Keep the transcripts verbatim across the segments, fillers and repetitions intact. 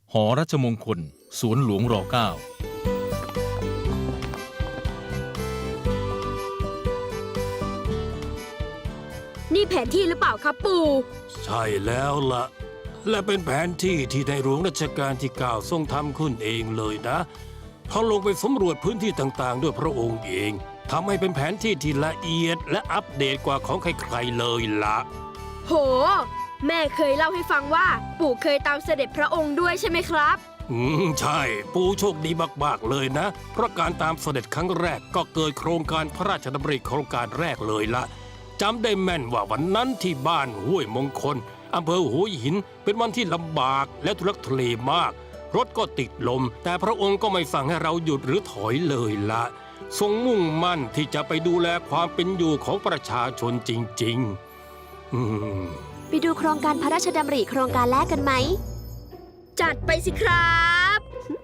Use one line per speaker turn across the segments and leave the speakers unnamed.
หอรัชมงคลสวนหลวงรเก้า
นี่แผนที่หรือเปล่าครับปู่
ใช่แล้วละและเป็นแผนที่ที่ในหลวงรัชกาลที่เก้าทรงทำขึ้นเองเลยนะเขาลงไปสำรวจพื้นที่ต่างๆด้วยพระองค์เองทำให้เป็นแผนที่ที่ละเอียดและอัปเดตกว่าของใครๆเลยละ
โหแม่เคยเล่าให้ฟังว่าปู่เคยตามเสด็จพระองค์ด้วยใช่ไหมครับ
อืมใช่ปู่โชคดีมากๆเลยนะเพราะการตามเสด็จครั้งแรกก็เกิดโครงการพระราชดำริโครงการแรกเลยละจำได้แม่นว่าวันนั้นที่บ้านห้วยมงคลอำเภอหัวหินเป็นวันที่ลำบากและทุลักทุเลมากรถก็ติดลมแต่พระองค์ก็ไม่สั่งให้เราหยุดหรือถอยเลยละทรงมุ่งมั่นที่จะไปดูแลความเป็นอยู่ของประชาชนจริงๆอืม
ไปดูโครงการพระราชดำริโครงการแรกกันไหม
จัดไปสิครับ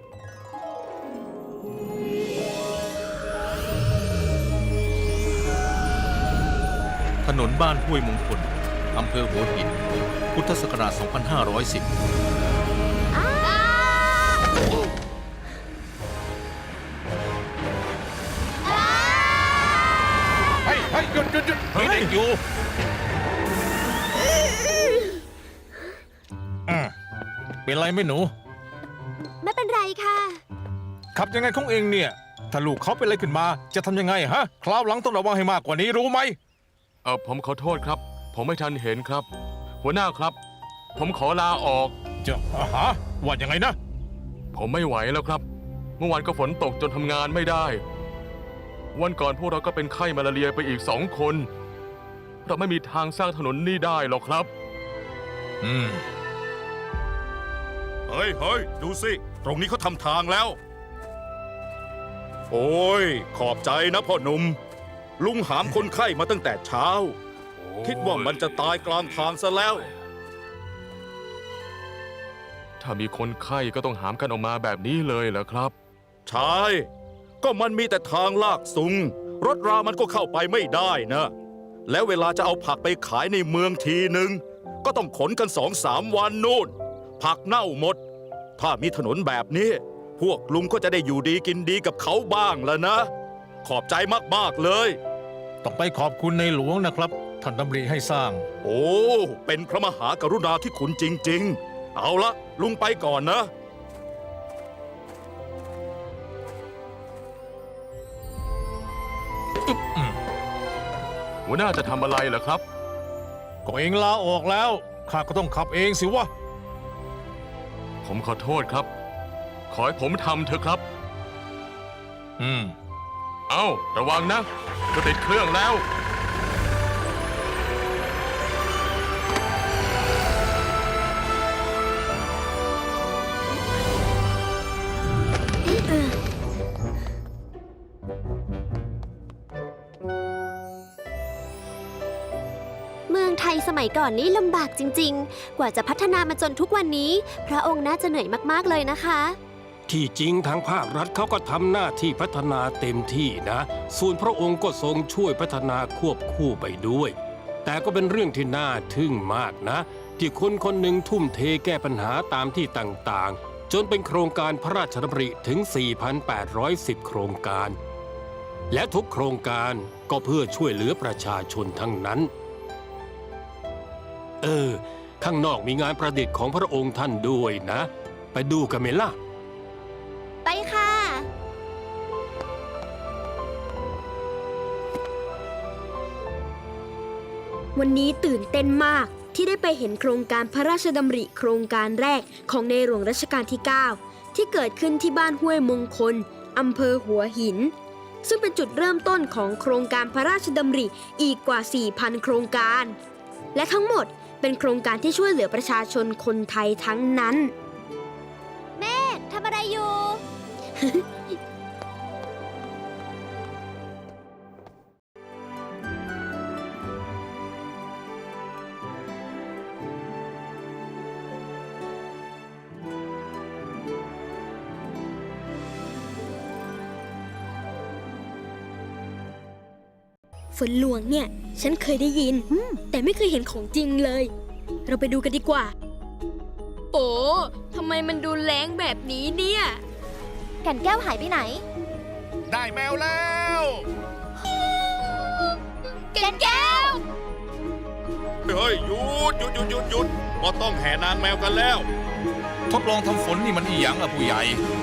ถนนบ้านห้วยมงคลอำเภอหัวหินพุทธศักราช สองพันห้าร้อยสิบ
เฮ้ยเฮ้ยหยุดหยุดหยุดมีเด็กอยู่อืมเป็นไรไหมหนู
ไม่เป็นไรค่ะ
ขับยังไงของเองเนี่ยถ้าลูกเขาเป็นอะไรขึ้นมาจะทำยังไงฮะคราวหลังต้องระวังให้มากกว่านี้รู้ไหม
เออผมขอโทษครับผมไม่ทันเห็นครับหัวหน้าครับผมขอลาออก
จะฮะว่ายังไงนะ
ผมไม่ไหวแล้วครับเมื่อวานก็ฝนตกจนทำงานไม่ได้วันก่อนพวกเราก็เป็นไข้มาลาเรียไปอีกสองคนเราไม่มีทางสร้างถนนนี่ได้หรอกครับ
อืม
เฮ้ยเฮ้ยดูสิตรงนี้เขาทำทางแล้วโอ้ยขอบใจนะพ่อหนุ่มลุงหามคนไข้มาตั้งแต่เช้าคิดว่ามันจะตายกลางทางซะแล้ว
ถ้ามีคนไข้ก็ต้องหามกันออกมาแบบนี้เลยเหรอครับ
ใช่ก็มันมีแต่ทางลากสูงรถรามันก็เข้าไปไม่ได้นะแล้วเวลาจะเอาผักไปขายในเมืองทีหนึ่งก็ต้องขนกันสองสามวันนู่นผักเน่าหมดถ้ามีถนนแบบนี้พวกลุงก็จะได้อยู่ดีกินดีกับเขาบ้างแล้วนะขอบใจมากๆเลย
ต้องไปขอบคุณในหลวงนะครับท่านดำริให้สร้าง
โอ้เป็นพระมหากรุณาธิคุณจริงๆเอาละลุงไปก่อนนะ
หัวหน้าจะทำอะไรเหรอครับ
ก็เองลาออกแล้วข้าก็ต้องขับเองสิวะ
ผมขอโทษครับขอให้ผมทำเถอะครับ
อืม
เอ้าระวังนะจะติดเครื่องแล้ว
เมืองไทยสมัยก่อนนี้ลำบากจริงๆกว่าจะพัฒนามาจนทุกวันนี้พระองค์น่าจะเหนื่อยมากๆเลยนะคะ
ที่จริงทางภาครัฐเขาก็ทำหน้าที่พัฒนาเต็มที่นะส่วนพระองค์ก็ทรงช่วยพัฒนาควบคู่ไปด้วยแต่ก็เป็นเรื่องที่น่าทึ่งมากนะที่คนคนหนึ่งทุ่มเทแก้ปัญหาตามที่ต่างๆจนเป็นโครงการพระราชดำริถึง สี่พันแปดร้อยสิบ โครงการและทุกโครงการก็เพื่อช่วยเหลือประชาชนทั้งนั้นเออข้างนอกมีงานประดิษฐ์ของพระองค์ท่านด้วยนะไปดูกันไหมล่ะ
ไปค่ะ
วันนี้ตื่นเต้นมากที่ได้ไปเห็นโครงการพระราชดำริโครงการแรกของในหลวงรัชกาลที่ เก้า ที่เกิดขึ้นที่บ้านห้วยมงคลอำเภอหัวหินซึ่งเป็นจุดเริ่มต้นของโครงการพระราชดำริอีกกว่า สี่พัน โครงการและทั้งหมดเป็นโครงการที่ช่วยเหลือประชาชนคนไทยทั้งนั้น
แม่ทำอะไรอยู่
ฝนหลวงเนี่ยฉันเคยได้ยินแต่ไม่เคยเห็นของจริงเลยเราไปดูกันดีกว่าโปทำไมมันดูแรงแบบนี้เนี่ย
แก่นแก้วหายไปไหน
ได้แมวแล้ว
แก่นแก้ว
เฮ้ยหยุดหยุดหยุดหยุดหยุดก็ต้องแห่นางแมวกันแล้ว
ทดลองทำฝนนี่มันอีหยังอะผู้ใหญ่